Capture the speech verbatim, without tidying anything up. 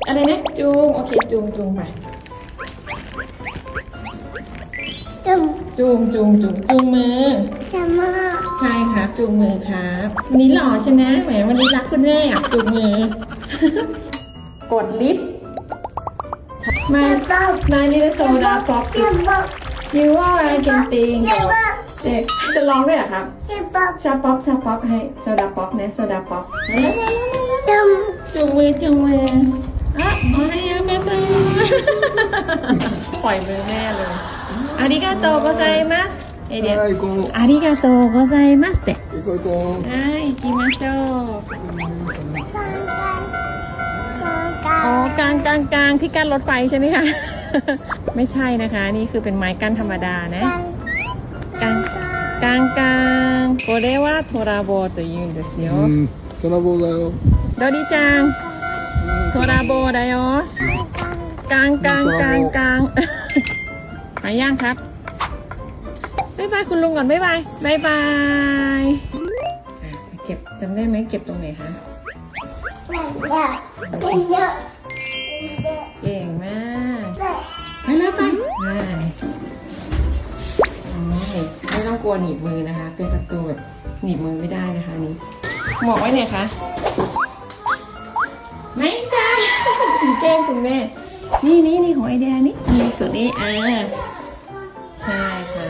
อะไรนะจูงโอเคจูงจูงไปจุ่มจูงจูงจูงจูงมือจะมาใช่ครับจูงมือครับวันนี้หล่อใช่ไหมแหมวันนี้รักคุณแม่อ่ะจูงมือ กดลิฟต์มาจะบอกนายนี่โซดาป๊อปจะบอกยูว่าอะไรกันติงจะบอกเด็กจะร้องด้วยเหรอครับจะบอกชาป๊อปชาป๊อปให้โซดาป๊อปนะโซดาป๊อปจุ่มจูงมือจูงมืออ่ะอ๋อให้แม่ไปปล่อยมือแม่เลยอาริกาโตโกไซมัสเอเดียはい、この、 อาริกาโตโกไซมัสเตะ行こう行こう。 はい、行きましょうกลางกลางกลางอ๋อกลางกลางกลางที่กั้นรถไฟใช่ไหมคะ ไม่ใช่นะคะ นี่คือเป็นไม้กั้นธรรมดานะกลางกลางกลางกลางこれはトラボと言うんですようん、トラボだよ。 ドリちゃんトラボだよกลางกลางกลางกลาง ไปย่างครับบ๊ายบายคุณลุงก่อนบ๊ายบายบ๊ายบายอ่ะเก็บจำได้ไหมเก็บตรงไหนคะเยอะเยอะเก่งมากเยอะไปเลยไปไปอ๋อไม่ต้องกลัวหนีบมือนะคะ เป็นประตูแบบหนีบมือไม่ได้นะคะอันนี้หมวกไว้ไหนคะไม่ใช่แกล้งคุณแม่นี่นี่นี่ของไอเดียนี่นี่สุดนี้อ่าใช่ค่ะ